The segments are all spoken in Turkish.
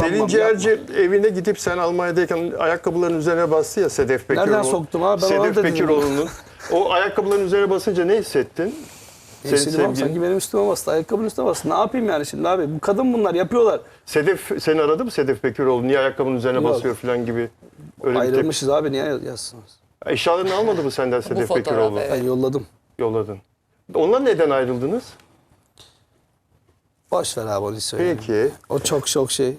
Selin Ciğerci evine gidip sen Almanya'dayken ayakkabıların üzerine bastı ya Sedef Pekiroğlu. Nereden soktum abi? Ben Sedef Pekiroğlu'nun. O ayakkabıların üzerine basınca ne hissettin? Sanki benim üstüme bastı. Ayakkabının üstüne bastı. Ne yapayım yani şimdi abi? Bu kadın bunlar yapıyorlar. Sedef seni aradı mı Sedef Pekiroğlu? Niye ayakkabının üzerine Yok. basıyor falan gibi. Öyle Ayrılmışız abi, niye yazsınız? Eşyalarını almadı mı senden Sedef fotoğraf, Pekiroğlu? evet. Ben yolladım. Yolladın. Ondan neden ayrıldınız? Boş ver abi, onu söyleyeyim. Peki. O çok şey.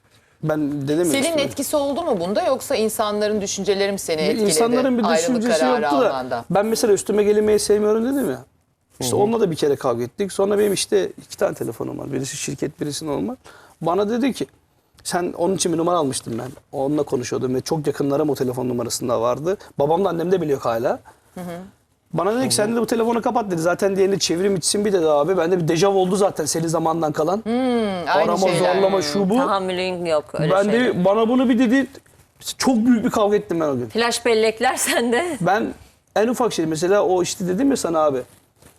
Ben dedim ya. Senin işte, etkisi oldu mu bunda, yoksa insanların düşünceleri mi seni etkiledi? İnsanların bir ayrılık düşüncesi kararı yoktu da. almanda? Ben mesela üstüme gelinmeyi sevmiyorum dedim ya. İşte onunla da bir kere kavga ettik. Sonra benim işte 2 tane telefonum var. Birisi şirket, birisi normal. Bana dedi ki, sen onun için bir numara almıştım ben. Onunla konuşuyordum ve çok yakınlarım o telefon numarasında vardı. Babam da annem de biliyor hala. Bana dedi ki sen de bu telefonu kapat dedi. Zaten diğerini çevrim içsin bir dedi abi. Bende bir dejav oldu zaten senin zamandan kalan. Aynı Arama, şeyler. zorlama, şu bu. Tahammülün yok öyle Ben şeyler. de bana bunu bir dedi. Çok büyük bir kavga ettim ben o gün. Flash bellekler sende. Ben en ufak şey mesela o işte dedim ya sana abi.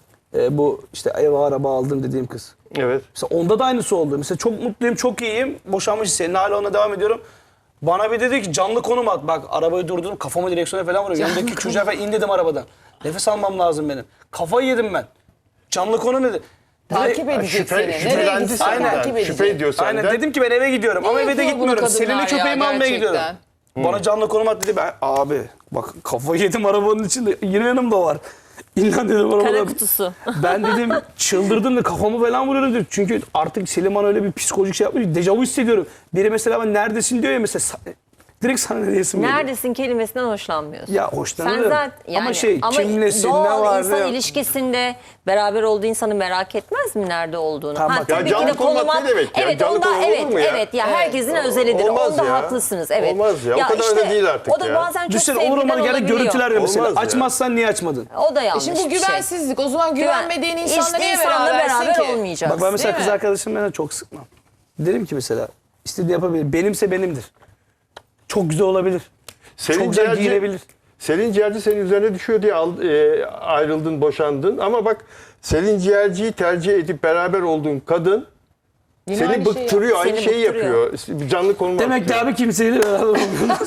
Bu işte ev araba aldım dediğim kız. Evet. Mesela onda da aynısı oldu. Mesela çok mutluyum, çok iyiyim. Boşanmış senin hala ona devam ediyorum. Bana bir dedi ki canlı konum at. Bak arabayı durdurdum, kafama direksiyona falan vuruyor. Yanındaki çocuğa falan in dedim arabadan. Nefes almam lazım benim. Kafayı yedim ben. Canlı konu dedi. Takip edecek seni. Nereye Şüphelendi gitsen senden. takip edecek. Şüphe ediyor senden. Aynen dedim ki ben eve gidiyorum ama eve de yapıyor bunu gitmiyorum. kadınlar Selin'le ya, köpeğimi almaya gerçekten? gidiyorum. Bana canlı konum at dedi. Ben abi bak kafayı yedim arabanın içinde. Yine yanımda o var. İnan dedim Kara arabadan. kutusu. Ben dedim çıldırdım da kafamı falan vuruyorum dedim. Çünkü artık Selim bana öyle bir psikolojik şey yapmış. Dejavu hissediyorum. Biri mesela ben neredesin diyor ya mesela. Direkt sana ne diyesim geliyor. Neredesin kelimesinden hoşlanmıyorsun. Ya Sen hoşlanırım. zaten yani, Ama şey kimlesin ne doğal var insan ne yok. ilişkisinde beraber olduğu insanı merak etmez mi nerede olduğunu? Tamam. Ya tabii ki canlı de konum konuma- ne demek ya? Evet, Canlı onda konum olur evet mu ya? evet ya herkesin özelidir. Olmaz Onda ya. haklısınız. Evet. Olmaz ya. O kadar da değil artık O da ya. bazen çok Düşünsene sevgiden olur olmadı gene olabiliyor. görüntüler veriyor mesela. Olmaz ya. Açmazsan niye açmadın? O da yanlış Şimdi bu bir şey. güvensizlik. O zaman güvenmediğin insanla İşte niye insanla berabersin beraber ki? olmayacaksın. Bak ben mesela Değil kız mi? arkadaşımla çok sıkmam. Derim ki mesela istediğini yapabilir. Benimse benimdir. Çok güzel olabilir. Selin Çok güzel Ciğerci- giyinebilir. Selin Ciğerci senin üzerine düşüyor diye ayrıldın, boşandın. Ama bak Selin Ciğerci'yi tercih edip beraber olduğun kadın Yine seni aynı şeyi bıktırıyor, aynı Seni şeyi bıktırıyor. yapıyor. Canlı konum Demek ki atıyor. abi kimseyle beraber olmuyoruz.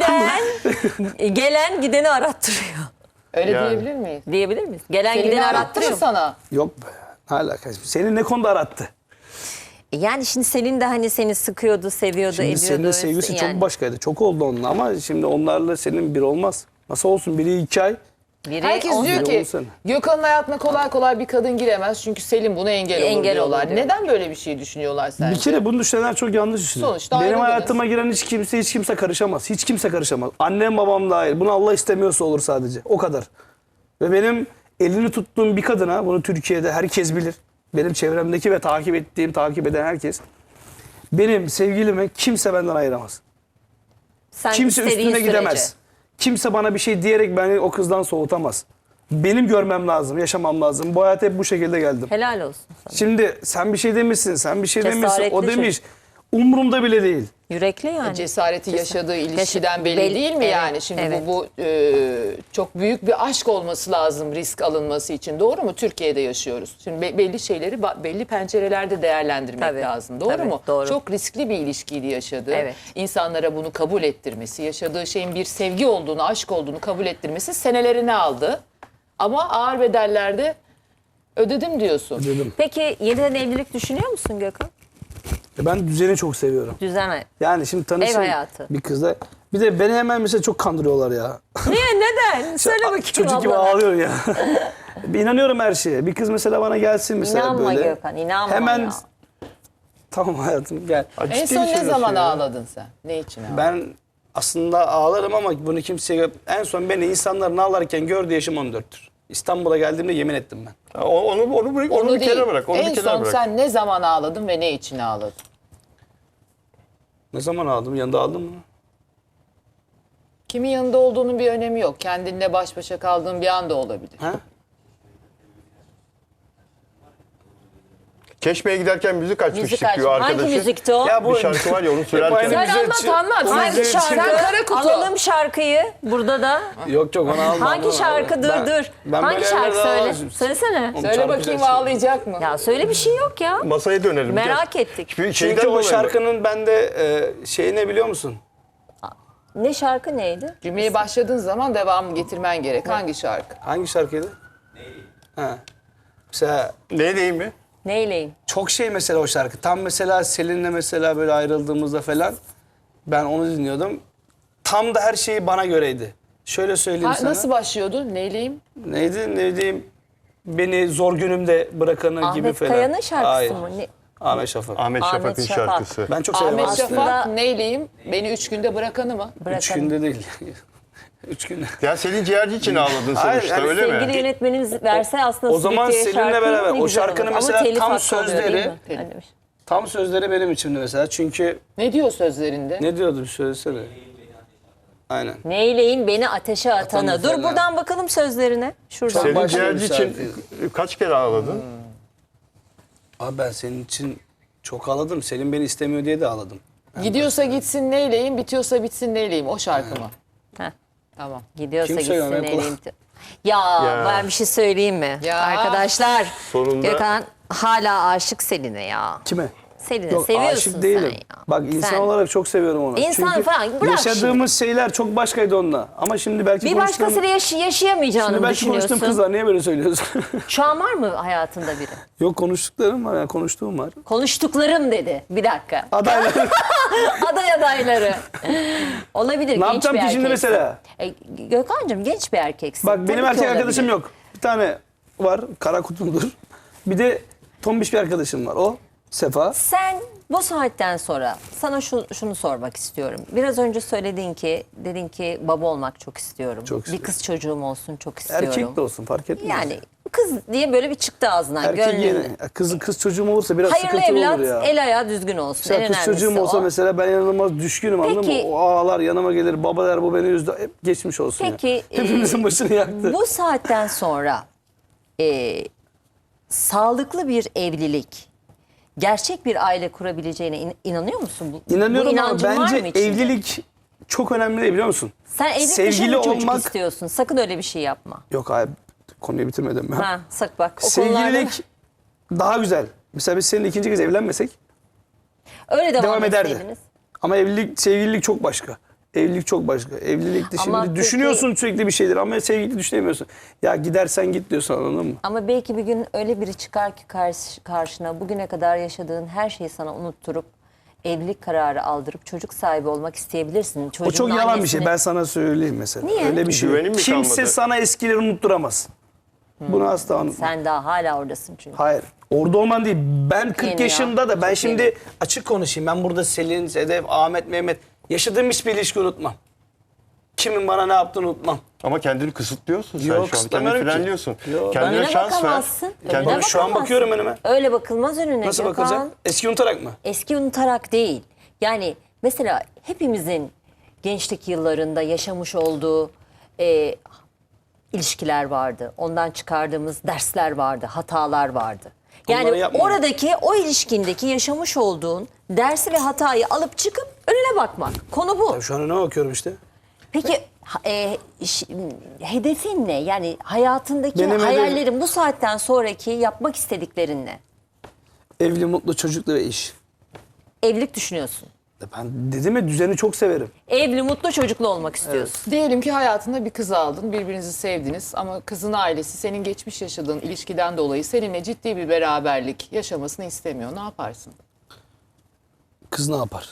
Gelen gideni arattırıyor. Öyle Yani. diyebilir miyiz? Diyebilir miyiz? Gelen Seni gideni arattırır arattırıyor. sana. Yok be. Ne alakası? Seni ne konuda arattı? Yani şimdi Selin de hani seni sıkıyordu, seviyordu, Şimdi ediyordu. senin sevgisi yani. çok başkaydı. Çok oldu onunla ama şimdi onlarla senin bir olmaz. Nasıl olsun? Biri 2 ay. Biri Herkes on- diyor biri ki olsana. Gökhan'ın hayatına kolay kolay bir kadın giremez çünkü Selim buna engel olur Engel diyorlar. olur diyor. Neden böyle bir şey düşünüyorlar sence? Bir kere bunu düşünenler çok yanlış düşünüyor. Sonuçta Benim ayrıldınız. hayatıma giren hiç kimse karışamaz. Hiç kimse karışamaz. Annem babam dahil. Bunu Allah istemiyorsa olur sadece. O kadar. Ve benim elini tuttuğum bir kadına, bunu Türkiye'de herkes bilir. Benim çevremdeki ve takip ettiğim, takip eden herkes. Benim sevgilimi kimse benden ayıramaz. sen Kimse istediğin üstüne sürece. gidemez. Kimse bana bir şey diyerek beni o kızdan soğutamaz. Benim görmem lazım, yaşamam lazım. Bu hayata hep bu şekilde geldim. Helal olsun sana. Şimdi sen bir şey demişsin, sen bir şey demişsin, o Cesaretli demiş. Umurumda bile değil. Yürekli yani. Cesareti yaşadığı ilişkiden belli belli- değil mi evet, yani? Şimdi evet. bu çok büyük bir aşk olması lazım risk alınması için. Doğru mu? Türkiye'de yaşıyoruz. Şimdi belli şeyleri belli pencerelerde değerlendirmek Tabii, lazım. Doğru tabii, mu? doğru. Çok riskli bir ilişkiydi yaşadığı. Evet. İnsanlara bunu kabul ettirmesi, yaşadığı şeyin bir sevgi olduğunu, aşk olduğunu kabul ettirmesi senelerini aldı. Ama ağır bedellerde ödedim diyorsun. Dedim. Peki yeniden evlilik düşünüyor musun Gökhan? Ben düzeni çok seviyorum. Düzen. Yani şimdi tanışın Ev hayatı. bir kızla. Bir de beni hemen mesela çok kandırıyorlar ya. Niye? Neden? Söyle bakayım Çocuk gibi ablana. ağlıyor ya. İnanıyorum her şeye. Bir kız mesela bana gelsin mesela İnanma böyle. Gökhan, inanma Hemen ya. tamam hayatım gel. En son ne zaman ağladın sen? Ne için ağladın? Ben aslında ağlarım ama bunu kimseye... En son beni insanların ağlarken gördüğü yaşım 14'tür. İstanbul'a geldiğimde yemin ettim ben. Onu bir kenara bırak. Onu en bir kenara son bırak. sen ne zaman ağladın ve ne için ağladın? Ne zaman ağladım? Yanında ağladım mı? Kimin yanında olduğunun bir önemi yok. Kendinle baş başa kaldığın bir anda olabilir. Ha? Çeşme'ye giderken müzik açmıştık Müzik diyor aç. arkadaşı. Hangi müzikti o? Ya bu- Bir şarkı var ya onu söylerken. Sen anlat. Hangi Sen şarkı? kara kutu. Alalım şarkıyı burada da. Yok onu alma. Hangi şarkı? Dur. Ben Hangi böyle şarkı yerlerde söyle? alamazım. Söylesene. Söyle Şarkı bakayım söylesin. ağlayacak mı? Ya söyle bir şey yok ya. Masaya dönelim. Merak ettik. Şeyden Çünkü o dolayı mı? şarkının bende şeyi ne biliyor musun? Ne şarkı neydi? Cümleye başladığın zaman devamı getirmen gerek. Hangi şarkı? Hangi şarkıydı? Ha. Mesela Ne diyeyim mi? Neyleyim? çok şey mesela o şarkı. Tam mesela Selin'le mesela böyle ayrıldığımızda falan ben onu dinliyordum. Tam da her şeyi bana göreydi. Şöyle söyleyeyim sana. Nasıl başlıyordu? Neyleyim? Neydi? Ne diyeyim? Beni zor günümde bırakanı gibi Ahmet falan. Kaya'nın şarkısı Hayır. mı? Ne? Ahmet Şafak. Ahmet Ahmet Şafak'ın Şafak. şarkısı. Ben çok severim. Ahmet aslında. Şafak neyleyim? Beni 3 günde bırakanı mı? 3 günde değil. 3 günde. Ya Selin Ciğerci için ağladın Hayır, sonuçta yani öyle Sevgili mi? yönetmenimiz verse aslında O zaman Sweetie'ye Selin'le şarkıyı beraber, ne o güzel şarkının olur. mesela Ama telif tam hakkı oluyor, değil sözleri- mi? Öyle bir şey. Tam sözleri benim içimde mesela. Çünkü Ne diyor sözlerinde? ne diyordu bir söylesene. Aynen. Neyleyim beni ateşe atana. Atanı Dur falan. buradan bakalım sözlerine. Şuradan. Selin başka bir Ciğerci için kaç kere ağladın? Abi ben senin için çok ağladım. Selin beni istemiyor diye de ağladım. Gidiyorsa gitsin neyleyim, bitiyorsa bitsin neyleyim. O şarkı mı? Heh. Tamam. Gidiyorsa Kim söylüyor? gitsin Ben neyleyim. Ya, Ya. ben bir şey söyleyeyim mi? Ya. Arkadaşlar Sonunda- Gökhan hala aşık Selin'e ya. Kime? Selin'i Yok seviyorsun aşık değilim. sen ya. Bak insan Sen. olarak çok seviyorum onu. İnsan Çünkü falan, bırak yaşadığımız şeyler çok başkaydı onunla. Ama şimdi belki Bir başkasıyla yaşayamayacağını Şimdi mı belki konuştuğum düşünüyorsun? kızlar niye böyle söylüyorsun? Şu an var mı hayatında biri? Yok konuştuklarım var yani konuştuğum var. Konuştuklarım dedi. Bir dakika. Adaylar. Aday adayları. Olabilir. Ne genç yapacağım bir ki şimdi erkeksin. mesela? Gökhan'cığım genç bir erkeksin. Bak Tabii benim ki erkek olabilir. arkadaşım yok. Bir tane var kara kutumdur. Bir de tombiş bir arkadaşım var. O Sefa. Sen bu saatten sonra sana şunu sormak istiyorum. Biraz önce dedin ki baba olmak çok istiyorum. Çok Bir istiyorum. kız çocuğum olsun çok istiyorum. Erkek de olsun fark etmez. Yani kız diye böyle bir çıktı ağzından. erkek gönlüne. yeni. Kız çocuğum olursa biraz Hayırlı sıkıntılı evlat olur ya. el ayağı düzgün olsun. Mesela en kız önemlisi çocuğum olsa o. mesela ben inanılmaz düşkünüm anladın Peki- mı? O ağlar yanıma gelir baba der bu beni üzdü. Hep geçmiş olsun Peki ya. Hepimizin başını yaktı. bu saatten sonra sağlıklı bir evlilik, gerçek bir aile kurabileceğine inanıyor musun? Bu İnanıyorum ama inancın var mı bence içinde? evlilik çok önemli değil biliyor musun? Sen evlilik dışı sevgili mı çocuk olmak- istiyorsun? Sakın öyle bir şey yapma. Yok abi konuyu bitirmedim ben. Ha, sak bak. O konularda Sevgililik daha güzel. Mesela biz seninle ikinci kez evlenmesek öyle devam ederdi. etseydiniz. Ama sevgililik çok başka. Evlilik çok başka. Evlilikte Ama şimdi peki- düşünüyorsun sürekli bir şeyler ama sevgili düşünemiyorsun. Ya gidersen git diyorsun anladın mı? Ama belki bir gün öyle biri çıkar ki karşına bugüne kadar yaşadığın her şeyi sana unutturup evlilik kararı aldırıp çocuk sahibi olmak isteyebilirsin. O Çocuğun çok yalan bir annesini- şey. Ben sana söyleyeyim mesela. Niye? Öyle bir şey yok. Güvenin mi Kimse kalmadı? sana eskileri unutturamaz. Bunu asla unutma. Sen daha hala oradasın çünkü. Hayır. Orada olman değil. Ben 40 yeni ya. yaşında da ben Çok şimdi yeni. açık konuşayım. Ben burada Selin, Sedef, Ahmet, Mehmet yaşadığım hiçbir ilişki unutmam. Kimin bana ne yaptığını unutmam. Ama kendini kısıtlıyorsun sen Yok, şu an. Kendini kısıtlamıyorum ki. frenliyorsun. Yok. Kendine Önüne şans ver. bakamazsın. Kendine Önüne Şu an bakamazsın. bakıyorum önüme. Öyle bakılmaz önüne. Nasıl Gökhan. bakılacak? Eski unutarak mı? Eski unutarak değil. Yani mesela hepimizin gençlik yıllarında yaşamış olduğu ilişkiler vardı. Ondan çıkardığımız dersler vardı, hatalar vardı. Onları Yani yapmayın. oradaki o ilişkindeki yaşamış olduğun dersi ve hatayı alıp çıkıp önüne bakmak. Konu bu. Ya şu an önüme bakıyorum işte. Peki hedefin ne? Yani hayatındaki Benim hayallerin bu saatten sonraki yapmak istediklerin ne? Evli, mutlu, çocuklu ve iş. Evlilik düşünüyorsun. Ben dedim ya düzeni çok severim. Evli, mutlu, çocuklu olmak istiyorsun. Diyelim ki hayatında bir kız aldın, birbirinizi sevdiniz ama kızın ailesi senin geçmiş yaşadığın ilişkiden dolayı seninle ciddi bir beraberlik yaşamasını istemiyor. Ne yaparsın? Kız ne yapar?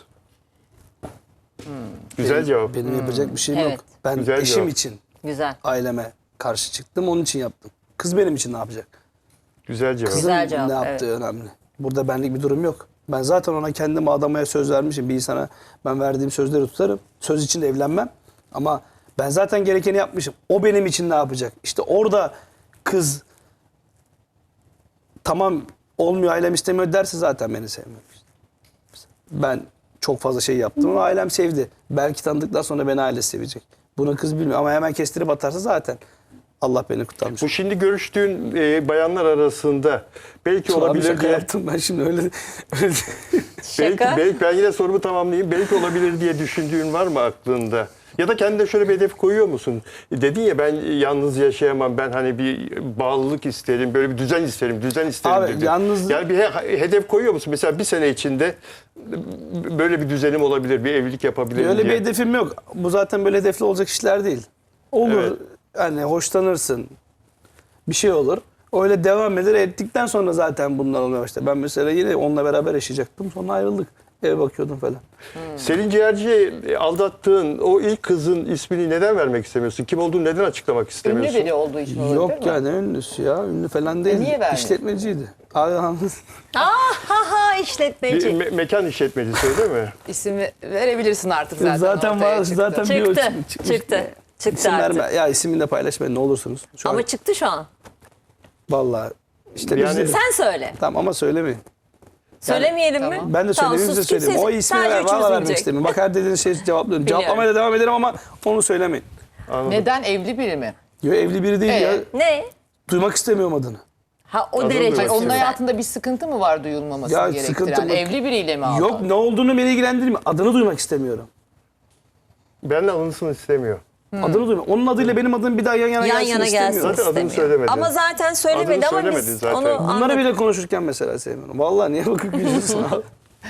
Güzel cevap. Benim yapacak bir şeyim Evet. yok. Ben Güzel eşim cevap. için Güzel. aileme karşı çıktım. Onun için yaptım. Kız benim için ne yapacak? Güzel cevap. Kızın Güzel cevap, ne yaptığı önemli. Burada benlik bir durum yok. Ben zaten ona kendim adamaya söz vermişim. Bir insana ben verdiğim sözleri tutarım. Söz için de evlenmem. Ama ben zaten gerekeni yapmışım. O benim için ne yapacak? İşte orada kız tamam olmuyor ailem istemiyor derse zaten beni sevmiyor. Ben çok fazla şey yaptım ama ailem sevdi. Belki tanıdıktan sonra beni ailesi sevecek. Bunu kız bilmiyor ama hemen kestirip atarsa zaten Allah beni kurtarmış. Bu şimdi görüştüğün bayanlar arasında belki Abi olabilir şaka diye. yaptım ben şimdi öyle. Şaka. Belki ben yine sorumu tamamlayayım. Belki olabilir diye düşündüğün var mı aklında? Ya da kendine şöyle bir hedef koyuyor musun? Dedin ya ben yalnız yaşayamam. Ben hani bir bağlılık isterim. Böyle bir düzen isterim. Düzen isterim Abi, dedin. yalnız- Yani bir hedef koyuyor musun? Mesela bir sene içinde böyle bir düzenim olabilir. Bir evlilik yapabilirim Öyle bir diye. hedefim yok. Bu zaten böyle hedefli olacak işler değil. Olur. Evet. Hani hoşlanırsın. Bir şey olur. Öyle devam eder. Ettikten sonra zaten bunlar olmaya başladı. Ben mesela yine onunla beraber yaşayacaktım. Sonra ayrıldık. Eve bakıyordum falan. Selin Ciğerci'yi aldattığın o ilk kızın ismini neden vermek istemiyorsun? Kim olduğunu neden açıklamak Ünlü istemiyorsun? biri olduğu için olabilir Yok mi? ya ne ünlüsü ya. Ünlü falan değil. niye vermedin? İşletmeciydi. Abi, işletmeci. Bir mekan işletmecisi öyle mi? İsmi verebilirsin artık zaten. zaten ortaya var. çıktı. Zaten bir Çıktı. ölçüm çıkmış. Çıktı. Çıktı İsim artık. verme. Ya ismini de paylaşmayın ne olursunuz. Şu Ama an çıktı şu an. vallahi işte Yani- biz de... Sen söyle. Tamam ama söylemeyin. Söylemeyelim mi? Tamam. Ben de Tamam, söylemeyeyim size sus, söyleyeyim. kimse- O ismi sadece valla üçümüz vermek bilecek. istemiyorum. Bak her dediğiniz şeyi cevaplıyorum. Biliyorum. Cevaplamaya devam ederim ama onu söylemeyin. Anladım. Neden evli biri mi? Yo, evli biri değil ya. Ne? Duymak istemiyorum adını. Ha o Adını derece. duymak Onun Sen- hayatında bir sıkıntı mı var duyulmaması Ya gerektiren? sıkıntı mı? Evli biriyle mi aldı? Yok ne olduğunu beni ilgilendirmiyor. Adını duymak istemiyorum. Benle alınsın istemiyor. Adını duymak. Onun adıyla benim adım bir daha yan yana Yan gelsin yana gelsin istemiyorum. Zaten adını istemiyor. söylemedin. Ama zaten söylemedi Adını ama söylemedin biz zaten. onu Bunları anladık. bile konuşurken mesela sevmiyorum. Vallahi niye bakıp gülüyorsun abi?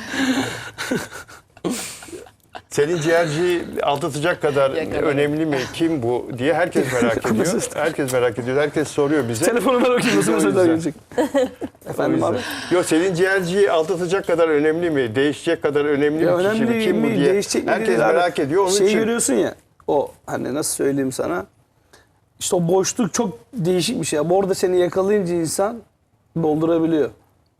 Selin Ciğerci'yi aldatacak kadar Yakaladım. önemli mi? Kim bu diye herkes merak ediyor. Herkes merak ediyor. Herkes soruyor bize. Telefonu ver bakayım nasıl O mesajlar yüzden. gelecek. Efendim abi. Yok Selin Ciğerci'yi aldatacak kadar önemli mi? Değişecek kadar önemli Ya mi? Kişi önemli mi? Kim bu mi? diye. Değişecek mi? Herkes değil abi. merak ediyor. Onun Şey için görüyorsun ya. O hani nasıl söyleyeyim sana? İşte o boşluk çok değişik bir şey. Orada seni yakalayınca insan doldurabiliyor.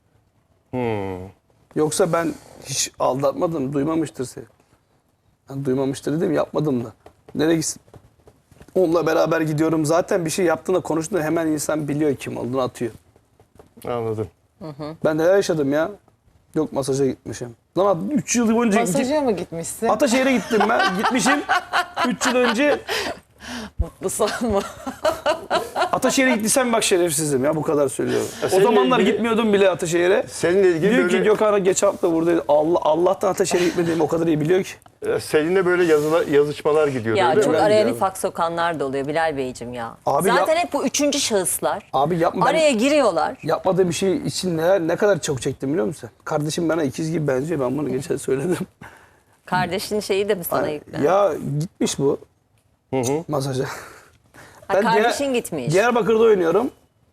Yoksa ben hiç aldatmadım. Duymamıştır seni. Yani duymamıştır dedim yapmadım da. Nereye gitsin? Onunla beraber gidiyorum. Zaten bir şey yaptığında konuştuğunda hemen insan biliyor kim olduğunu atıyor. anladım. Ben neler yaşadım ya. Yok masaja gitmişim. Lan 3 yıl boyunca Masaja mı gitmişsin? Ataşehir'e gittim ben. Gitmişim. 3 yıl önce Mutlu sanma. Ataşehir'e gittiysem bak şerefsizim ya bu kadar söylüyorum. O seninle zamanlar ilgili- gitmiyordum bile Ataşehir'e. Seninle ilgili Diyor ki böyle, Gökhan'a geç hafta buradaydı. Allah'tan Ataşehir'e gitmediğimi o kadar iyi biliyor ki. Seninle böyle yazışmalar gidiyor Ya öyle çok mi? araya ya. nifak sokanlar da oluyor Bilal Beyciğim ya. Abi Zaten yap- hep bu üçüncü şahıslar. Abi yapma ben Araya giriyorlar. yapmadığım bir şey için ne kadar çok çektim biliyor musun? Kardeşim bana ikiz gibi benziyor. Ben bunu geçen söyledim. Kardeşin şeyi de mi sana yüklen? Ya gitmiş bu masaja. Ha, kardeşin Diyar- gitmiş. Diyarbakır'da oynuyorum.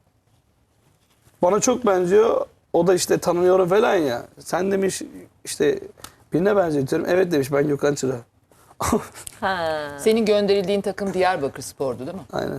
Bana çok benziyor. O da işte tanınıyorum falan ya. Sen demiş işte birine benziyor diyorum. Evet demiş ben Gökhan Çıra. Ha. Senin gönderildiğin takım Diyarbakır Spor'du değil mi? Aynen.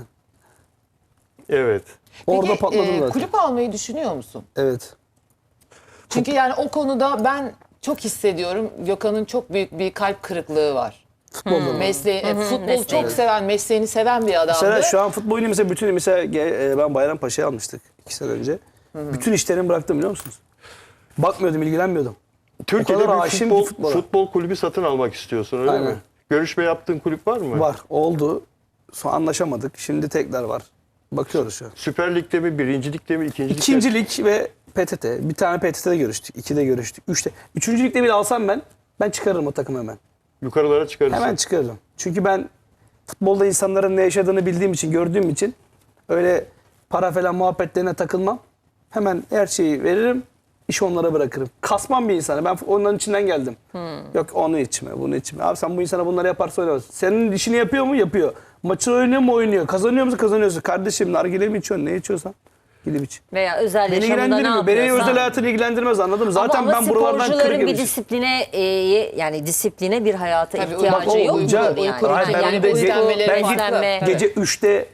Evet. Orada Peki, patladım zaten. kulüp almayı düşünüyor musun? Evet. Çünkü yani o konuda ben çok hissediyorum. Gökhan'ın çok büyük bir kalp kırıklığı var. Futbolda. Futbolu mesleği. çok seven, mesleğini seven bir adamdı. Mesela şu an futbol oyunu mesela ben Bayrampaşa'ya almıştık 2 sene önce. Bütün işlerimi bıraktım biliyor musunuz? Bakmıyordum, ilgilenmiyordum. Türkiye'de kadar bir aşığım ki futbol, futbola. futbol kulübü satın almak istiyorsun öyle Aynen. mi? Görüşme yaptığın kulüp var mı? Var, oldu. Sonra anlaşamadık. Şimdi tekrar var. Bakıyoruz şu an. Süper Lig'de mi, Birinci Lig'de mi, İkinci Lig'de mi? İkinci lig ve PTT. Bir tane PTT'de görüştük. 2'de görüştük. 3'te. Üçüncü ligde bile alsam ben çıkarırım o takımı hemen. Yukarılara çıkarırsın. Hemen çıkarırım. Çünkü ben futbolda insanların ne yaşadığını bildiğim için, gördüğüm için öyle para falan muhabbetlerine takılmam. Hemen her şeyi veririm. İşi onlara bırakırım. Kasmam bir insana. Ben onların içinden geldim. Yok onu içme, bunu içme. Abi sen bu insana bunları yaparsa oynamazsın. Senin işini yapıyor mu? Yapıyor. Maçı oynuyor mu? Oynuyor. Kazanıyor musun? Kazanıyorsun. Kardeşim nargile mi içiyorsun? Ne içiyorsan gidip iç. Veya özel Beni yaşamında ne ilgilendirmiyor. Beni yapıyorsan. özel hayatını ilgilendirmez anladın mı? Zaten ama ben buralardan kırık sporcuların bir yemişim. disipline yani disipline bir hayata Tabii, ihtiyacı bak o yok uyku- mudur uyku yani? ritmi, Yani ben uyku, beslenmeleri ben farklı. beslenme. Tabii. Gece 3'te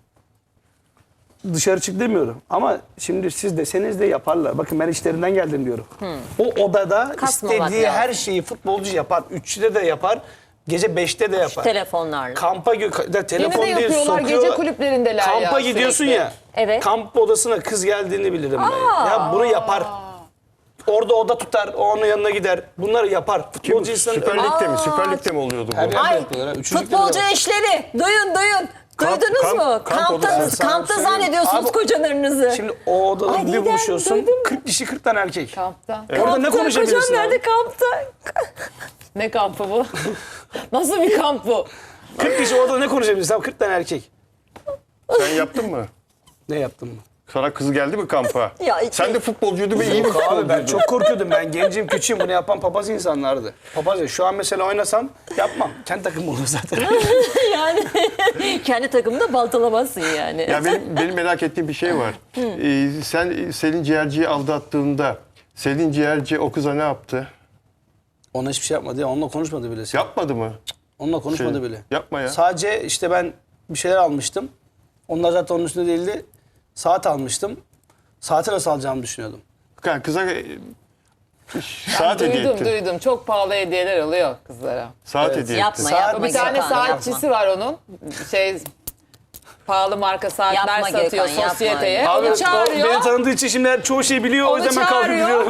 dışarı çık demiyorum. Ama şimdi siz deseniz de yaparlar. Bakın ben işlerinden geldim diyorum. O odada Kasmamak istediği lazım. her şeyi futbolcu yapar. 3'te de yapar. Gece 5'te de yapar. Telefonlarla. Kampa telefon Yine de değil yapıyorlar. sokuyor. Gece kulüplerindeler Kampa ya gidiyorsun sürekli. ya. Evet. Kamp odasına kız geldiğini bilirim ben. Ya bunu yapar. Orada oda tutar, o onun yanına gider. Bunları yapar. Kim? Futbolcu insanın Süper Lig'de mi? Süper Lig'de mi oluyordu bu? Her yerde Ay, yapıyorlar. Üçüncü ligde de futbolcu var. eşleri duyun. Duydunuz kamp- mu? kamp odası. Kampta zannediyorsunuz Abi- kocalarınızı. Şimdi o odada Ay, bir Didem, buluşuyorsun. duydun mu? 40 kişi 40 tane erkek. Kampta. Orada ne Kampta, konuşabilirsin kocam abi? nerede kampta? Ne kampı bu? Nasıl bir kamp bu? 40 kişi orada ne konuşabilirsin abi? 40 tane erkek. Sen yaptın mı? Ne yaptın mı? Sana kız geldi mi kampa? Ya, Sen de futbolcuydun ve iyi bir Abi ben futbolcuydun. çok korkuyordum. Ben gencim, küçüğüm. Bunu yapan papaz insanlardı. Papaz ya. Şu an mesela oynasam yapmam. Kendi takım olur zaten. Yani kendi takımında baltalamazsın yani. Ya benim merak ettiğim bir şey var. Sen Selin Ciğerci'yi aldattığında Selin Ciğerci o kıza ne yaptı? Ona hiçbir şey yapmadı ya. Onunla konuşmadı bile. Yapmadı mı? Onunla konuşmadı Şey, bile. yapma ya. Sadece işte ben bir şeyler almıştım. Onlar zaten onun üstünde değildi. Saat almıştım. Saati nasıl alacağımı düşünüyordum. Yani kıza saat hediye ettin. Duydum. Çok pahalı hediyeler oluyor kızlara. Saat Evet. hediye Yapma, ettin. yapma. Bir tane Gökhan, saatçisi var onun. Pahalı marka saatler Yapma satıyor Gökhan, yapma. sosyeteye. Abi Onu o çağırıyor. beni tanıdığı için şimdi çoğu şeyi biliyor. O Onu yüzden ben kalkıp çağırıyor. gidiyorum.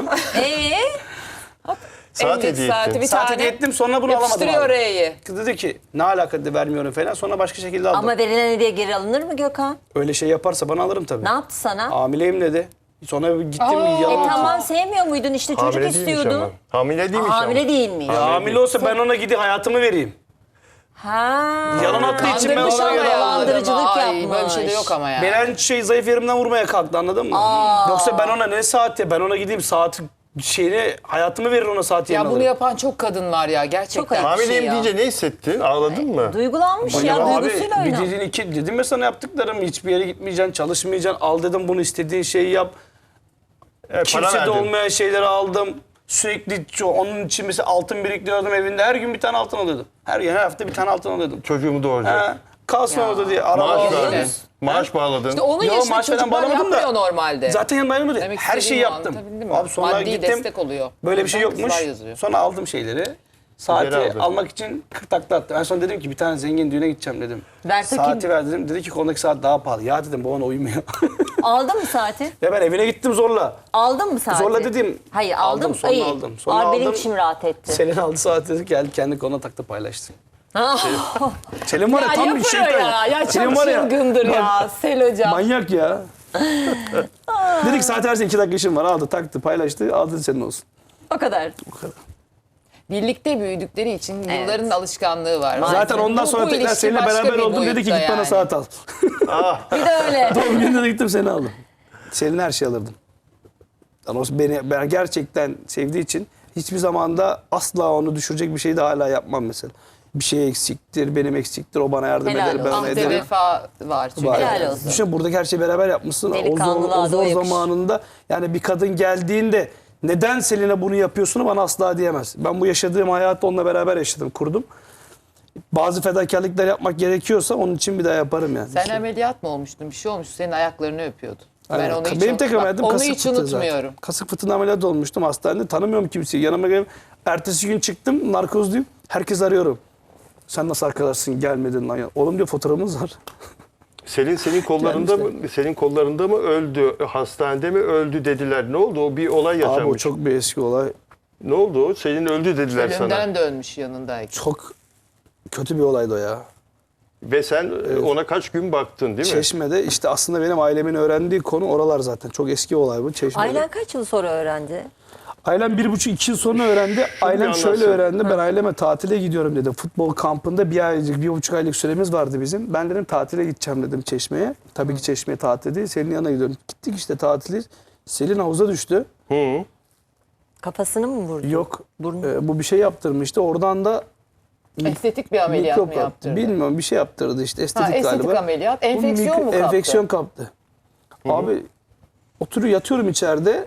Saat En hediye saati ettin. bir Saat tane hediye ettim, sonra bunu alamadım yapıştırıyor abi. R'yi. Kız dedi ki ne alaka dedi, vermiyorum falan. Sonra başka şekilde aldım. Ama verilen hediye geri alınır mı Gökhan? Öyle şey yaparsa bana alırım tabii. Ne yaptı sana? Hamileyim dedi. Sonra gittim yalan. Tamam sevmiyor muydun işte çocuk Hamile değilmiş istiyordu. ama. Hamile değilmiş Hamile ama. değil mi? Ya hamile olsa ben ona gidip hayatımı vereyim. Ha. Yalan attığı için ben Kandırmış ona ama yalan ya aldım. Dolandırıcılık adamı. Ay, böyle bir şey de yapmış. yok ama ya. Beni her zayıf yerimden vurmaya kalktı, anladın mı? Yoksa ben ona ne saati, ben ona gideyim saat şeyini, hayatımı verir ona saat yerine Ya bunu alırım. yapan çok kadın var ya gerçekten. Çok ayıp. Hamileyim ya. deyince ne hissettin? Ağladın mı? Duygulanmış ya, Abi duygusuyla bir oynar. dediğin iki, dedim ya sana yaptıklarım, hiçbir yere gitmeyeceksin, çalışmayacaksın, al dedim bunu, istediğin şeyi yap. Para Kimsede verdin. olmayan şeyleri aldım. Sürekli onun için mesela altın biriktiriyordum evinde, her gün bir tane altın alıyordum. Her hafta bir tane altın alıyordum. Çocuğumu doğuracak. Ha, kalsın orada diye araba Maaş aldım. verdin. Maaş bağladın. İşte onun Yo, yaşında maaş falan çocuklar bağlamadım da yapmıyor normalde. Zaten yanımda ayrılmadı. Demek Her şeyi istediğimi yaptım. anlatabildim mi? Abi sonra Maddi gittim. destek oluyor. Böyle bir şey Oradan yokmuş. kızlar yazıyor. Sonra aldım şeyleri. Geri Saati aldın. almak için 40 takla attım. En son dedim ki bir tane zengin düğüne gideceğim dedim. Ver takayım. Saati ver dedim. Dedi ki kolundaki saat daha pahalı. Ya dedim bu ona uymuyor. Aldın mı saati? Ya ben evine gittim zorla. Aldın mı saati? Zorla dedim. Hayır Aldım, aldım. sonra İyi. aldım. Sonra Abi benim aldım. içim rahat etti. Selin aldı saati dedi, geldi kendi koluna taktı, paylaştı. Ha. Selin var ya, Ya tam bir yapar şeytan. o ya. Ya Selin çok var ya, çılgındır ya. Sel hocam. manyak ya. Dedik saat versin 2 dakika işim var, aldı taktı paylaştı, aldı senin olsun. O kadar. Birlikte büyüdükleri için Evet. yılların alışkanlığı var. Zaten ondan sonra Bu tekrar ilişki seninle başka beraber bir oldum, dedi ki boyutta git bana yani. saat al. Bir de öyle. Doğum gününde de gittim seni aldım. Selin her şey alırdım. Yani ben gerçekten sevdiği için hiçbir zamanda asla onu düşürecek bir şey de hala yapmam mesela. Bir şey eksiktir, benim eksiktir, o bana yardım Helal eder, ben olsun. ona Ahde ederim. vefa var çünkü. Var. Helal olsun. Düşün, buradaki her şeyi beraber yapmışsın. O zor, Delikanlılığa o da zor yakış. zamanında yani bir kadın geldiğinde neden Selin'e bunu yapıyorsun bana asla diyemez. Ben bu yaşadığım hayatı onunla beraber yaşadım, kurdum. Bazı fedakarlıklar yapmak gerekiyorsa onun için bir daha yaparım yani. Sen ameliyat mı olmuştun? Bir şey olmuş. Senin ayaklarını öpüyordu. Ben Aynen. onu hiç, Benim tek ameliyatım onu kasık hiç fıtığı unutmuyorum. zaten. Kasık fıtığına ameliyat olmuştum hastanede. Tanımıyorum kimseyi. Yanıma gelip ertesi gün çıktım, narkozluyum. Herkes arıyorum. Sen nasıl arkadaşsın, gelmedin lan ya. Oğlum diyor, fotoğrafımız var. Selin senin kollarında Gelmişler. mı? Senin kollarında mı öldü? Hastanede mi öldü dediler. Ne oldu? O bir olay yaşanmış. Abi o çok bir eski olay. Ne oldu o? Selin öldü dediler sana. Ölümden dönmüş yanındayken. Çok kötü bir olaydı o ya. Ve sen ona kaç gün baktın değil mi? Çeşme'de işte aslında benim ailemin öğrendiği konu oralar zaten. Çok eski olay bu Çeşme'de. Ailen kaç yıl sonra öğrendi? Ailem 1,5-2 yıl sonra öğrendi. Ailem şöyle anlatsın. öğrendi. Ben aileme tatile gidiyorum dedi. Futbol kampında 1,5 aylık süremiz vardı bizim. Ben dedim tatile gideceğim dedim Çeşme'ye. Tabii ki Çeşme'ye tatil değil. Selin'in yanına gidiyorum. Gittik işte tatili. Selin havuza düştü. Hı. Kafasını mı vurdu? Yok. Burnu. Bu bir şey yaptırmıştı. Oradan da Estetik bir ameliyat mikrop mı yaptı. yaptırdı? Bilmiyorum, bir şey yaptırdı işte. Estetik, estetik galiba. ameliyat. Bu Enfeksiyon mu kaptı? Enfeksiyon kaptı. Abi oturuyor, yatıyorum içeride.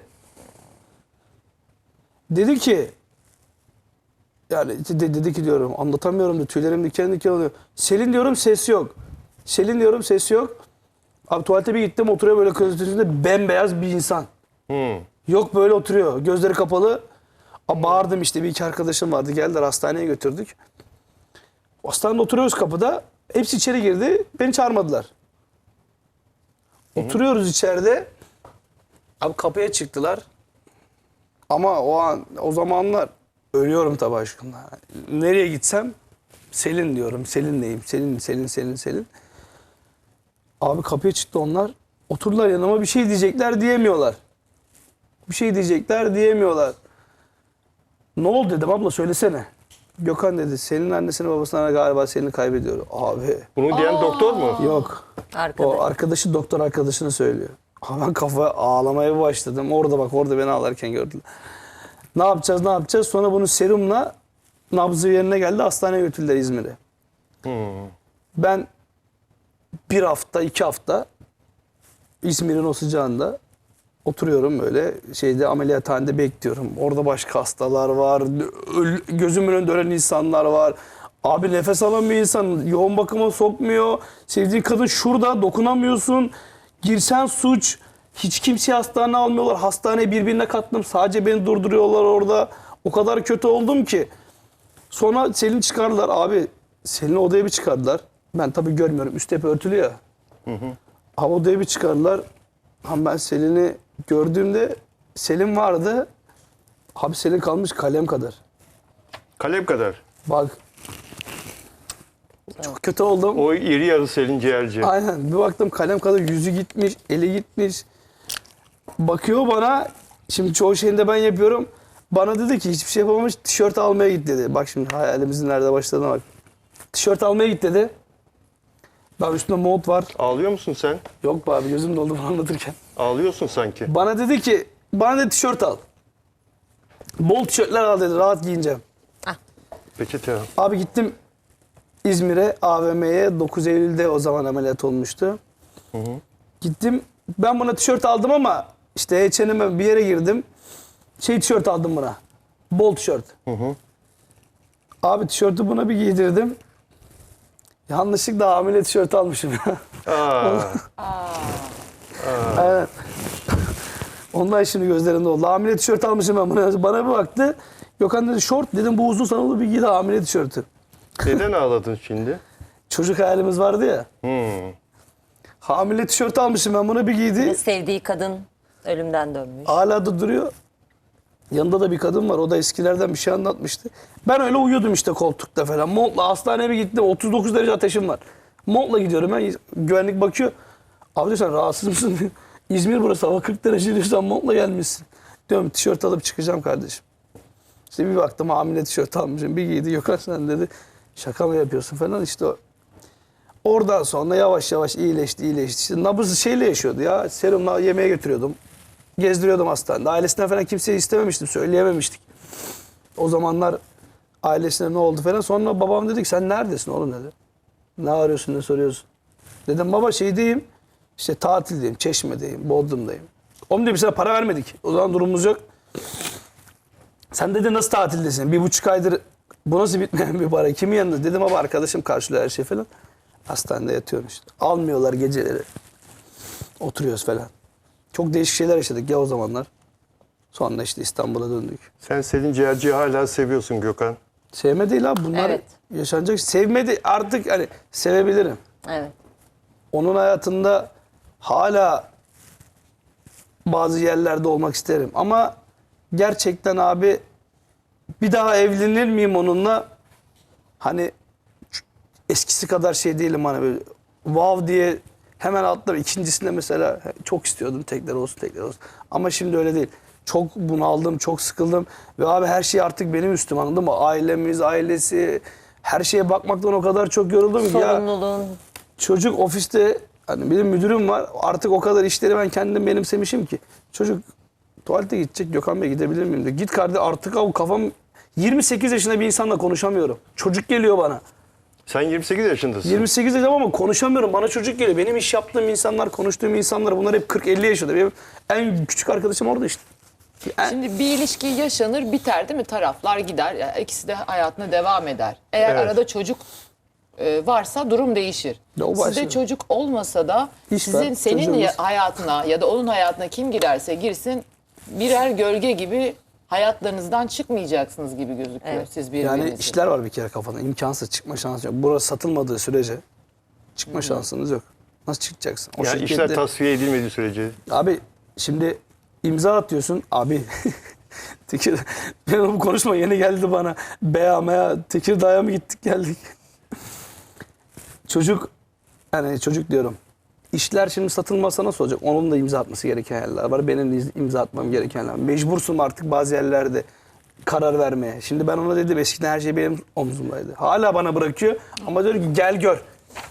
Dedi ki yani dedi ki diyorum, anlatamıyorum da tüylerim diken diken oluyor. Selin diyorum, ses yok. Selin diyorum, ses yok. Abi tuvalete bir gittim, oturuyor böyle közün üstünde bembeyaz bir insan. Hı. Yok, böyle oturuyor. Gözleri kapalı. Abi bağırdım işte, bir iki arkadaşım vardı. Geldiler, hastaneye götürdük. Hastanede oturuyoruz kapıda. Hepsi içeri girdi. Beni çağırmadılar. Oturuyoruz içeride. Abi kapıya çıktılar. Ama o zamanlar ölüyorum tabii aşkımla. Nereye gitsem Selin diyorum. Selin'leyim. Selin. Abi kapıya çıktı onlar. Oturdular yanıma, bir şey diyecekler diyemiyorlar. Bir şey diyecekler diyemiyorlar. Ne oldu dedim, abla söylesene. Gökhan dedi, senin annesini babasına galiba seni kaybediyor. Abi Bunu diyen doktor mu? yok. Arkadaş. O arkadaşı doktor arkadaşını söylüyor. Ama ben kafa ağlamaya başladım. Orada bak, orada beni ağlarken gördüler. Ne yapacağız, ne yapacağız? Sonra bunu serumla nabzı yerine geldi. Hastaneye götürdüler İzmir'e. Ben bir hafta, 2 hafta İzmir'in o sıcağında oturuyorum böyle şeyde, ameliyathanede bekliyorum. Orada başka hastalar var. Gözümün önünde ölen insanlar var. Abi nefes alamıyor insan. Yoğun bakıma sokmuyor. Sevdiğin kadın şurada, dokunamıyorsun. Girsen suç. Hiç kimseyi hastaneye almıyorlar. Hastaneye birbirine kattım. Sadece beni durduruyorlar orada. O kadar kötü oldum ki. Sonra Selin çıkardılar. Abi Selin'i odaya bir çıkardılar. Ben tabii görmüyorum. Üst hep örtülü ya. Abi odaya bir çıkardılar. Ama ben Selin'i gördüğümde Selin vardı. Abi Selin kalmış kalem kadar. Kalem kadar. Bak. Çok kötü oldum. O iri yarı Selin Ciğerci. Aynen. Bir baktım kalem kadar, yüzü gitmiş, eli gitmiş. Bakıyor bana. Şimdi çoğu şeyini de ben yapıyorum. Bana dedi ki hiçbir şey yapamamış, tişört almaya git dedi. Bak şimdi hayalimizin nerede başladığına bak. Tişört almaya git dedi. Ben üstümde mont var. Ağlıyor musun sen? Yok be abi, gözüm doldu bunu anlatırken. Ağlıyorsun sanki. Bana dedi ki, bana dedi tişört al. Bol tişörtler al dedi, rahat giyineceğim. Peçete. Abi gittim İzmir'e, AVM'ye. 9 Eylül'de o zaman ameliyat olmuştu. Gittim, ben buna tişört aldım ama işte H&M'e bir yere girdim. Tişört aldım buna. Bol tişört. Abi tişörtü buna bir giydirdim. Yanlışlıkla hamile tişört almışım. Aa, Evet. Ondan şimdi gözlerinde oldu. Hamile tişört almışım ben buna. Bana bir baktı. Gökhan dedi şort. Dedim bu uzun, sana olur, bir giy de hamile tişörtü. neden ağladın şimdi? Çocuk hayalimiz vardı ya. Hamile tişört almışım ben buna, bir giydi. Sevdiği kadın ölümden dönmüş. Hala da duruyor. Yanında da bir kadın var. O da eskilerden bir şey anlatmıştı. Ben öyle uyuyordum işte koltukta falan. Montla hastaneye bir gittim. 39 derece ateşim var. Montla gidiyorum ben. Güvenlik bakıyor. Abi diyor, sen rahatsız mısın diyor. İzmir burası, hava 40 derece diyor. Sen montla gelmişsin. Diyorum tişört alıp çıkacağım kardeşim. İşte bir baktım hamile tişört almışım. Bir giydi. Yok sen dedi. Şaka mı yapıyorsun falan işte o. Oradan sonra yavaş yavaş iyileşti. İşte nabız şeyle yaşıyordu ya. Serumla yemeğe götürüyordum. Gezdiriyordum hastanede. Ailesinden falan kimseyi istememiştim. Söyleyememiştik. O zamanlar ailesine ne oldu falan. Sonra babam dedi ki sen neredesin oğlum dedi. Ne arıyorsun, ne soruyorsun. Dedim baba şeydeyim. İşte tatildeyim. Çeşme'deyim. Bodrum'dayım. Oğlum dedi, bize para vermedik. O zaman durumumuz yok. Sen dedi nasıl tatildesin? 1,5 aydır bu nasıl bitmeyen bir para? Kimin yanında? Dedim baba arkadaşım karşılıyor her şey falan. Hastanede yatıyorum işte. Almıyorlar geceleri. Oturuyoruz falan. Çok değişik şeyler yaşadık ya o zamanlar. Sonra işte İstanbul'a döndük. Sen Selin Ciğerci'yi hala seviyorsun Gökhan. Sevme değil abi, bunlar Evet. yaşanacak. Sevmedi artık, hani sevebilirim. Evet. Onun hayatında hala bazı yerlerde olmak isterim. Ama gerçekten abi bir daha evlenir miyim onunla? Hani eskisi kadar şey değilim, hani böyle wow diye hemen atlar. İkincisinde mesela çok istiyordum tekrar olsun. Ama şimdi öyle değil. Çok bunaldım, çok sıkıldım. Ve abi her şey artık benim üstüm, anladın mı? Ailemiz, ailesi, her şeye bakmaktan o kadar çok yoruldum ki ya. Sorumluluğun. Çocuk ofiste, hani benim müdürüm var. Artık o kadar işleri ben kendim benimsemişim ki. Çocuk tuvalete gidecek. Gökhan Bey gidebilir miyim diyor. Git kardeşim artık, abi kafam 28 yaşında bir insanla konuşamıyorum. Çocuk geliyor bana. Sen 28 yaşındasın. 28 yaşında ama konuşamıyorum. Bana çocuk geliyor. Benim iş yaptığım insanlar, konuştuğum insanlar, bunlar hep 40-50 yaşında. Benim en küçük arkadaşım orada işte. Şimdi bir ilişki yaşanır, biter değil mi? Taraflar gider. Yani ikisi de hayatına devam eder. Eğer Evet. arada çocuk varsa durum değişir. Ya o başka. Sizde çocuk olmasa da İş var, senin çocuğumuz. hayatına ya da onun hayatına kim girerse girsin birer gölge gibi hayatlarınızdan çıkmayacaksınız gibi gözüküyor Evet. siz birbirinizi. Yani işler var bir kere kafada. İmkansız, çıkma şansı yok. Burası satılmadığı sürece çıkma şansınız yok. Nasıl çıkacaksın? O Yani şirkette- işler tasfiye edilmediği sürece. Abi şimdi imza atıyorsun. Abi Tekir, ben bu konuşma yeni geldi bana. Beya Tekirdağ'a mı gittik geldik. Çocuk, yani çocuk diyorum. işler şimdi satılmazsa nasıl olacak? Onun da imza atması gereken yerler var. Benim de imza atmam gereken yerler var. Mecbursum artık bazı yerlerde karar vermeye. Şimdi ben ona dedim eskiden her şey benim omzumdaydı. Hala bana bırakıyor ama diyor ki gel gör.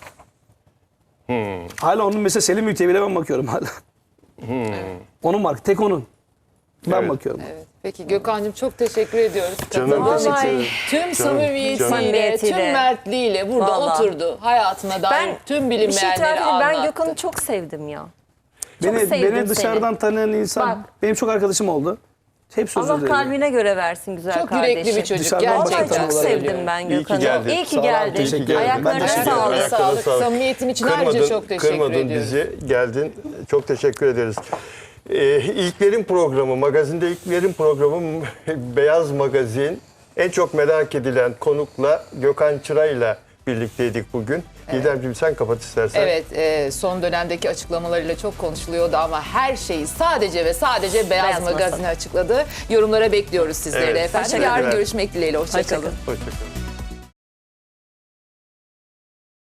Hala onun mesela Selim Ülke'ye bile ben bakıyorum hala. Onun marka tek onun. Ben Evet. bakıyorum. Evet. Peki Gökhan'cığım çok teşekkür ediyoruz. Canım, Katıldığın teşekkür için. ederim. Tüm samimiyetiyle, Samimiyetiyle. tüm mertliğiyle burada Vallahi. oturdu. Hayatına dair tüm bir şey bilinmeyenleri itiraf edeyim, anlattı. ben Gökhan'ı çok sevdim ya. Çok Beni sevdim dışarıdan seni. tanıyan insan, Bak. benim çok arkadaşım oldu. Hepsi özür Allah dilerim. kalbine göre versin güzel Çok kardeşim. yürekli bir çocuk Dışarıdan Vallahi gerçekten. bakıyorum. çok söylüyorum. sevdim ben İyi ki Gökhan'ı. geldin. İyi ki Sağ ol, geldin. teşekkür ederim. Ben Ayaklarına teşekkür sağlık. ederim. Ayaklarına Sağlık, sağlık. samimiyetin için ayrıca çok teşekkür Kırmadın ediyoruz. bizi, geldin. Çok teşekkür ederiz. İlklerin programı, magazinde ilklerin programı Beyaz Magazin. En çok merak edilen konukla Gökhan Çıra'yla birlikteydik bugün. Didemciğim sen kapat istersen. Evet, son dönemdeki açıklamalarıyla çok konuşuluyordu ama her şeyi sadece ve sadece Beyaz Beyaz Magazin'e açıkladı. Yorumlara bekliyoruz sizleri Evet, de efendim. teşekkürler. Yarın görüşmek dileğiyle. Hoşça kalın. Hoşça kalın. Hoşçakalın.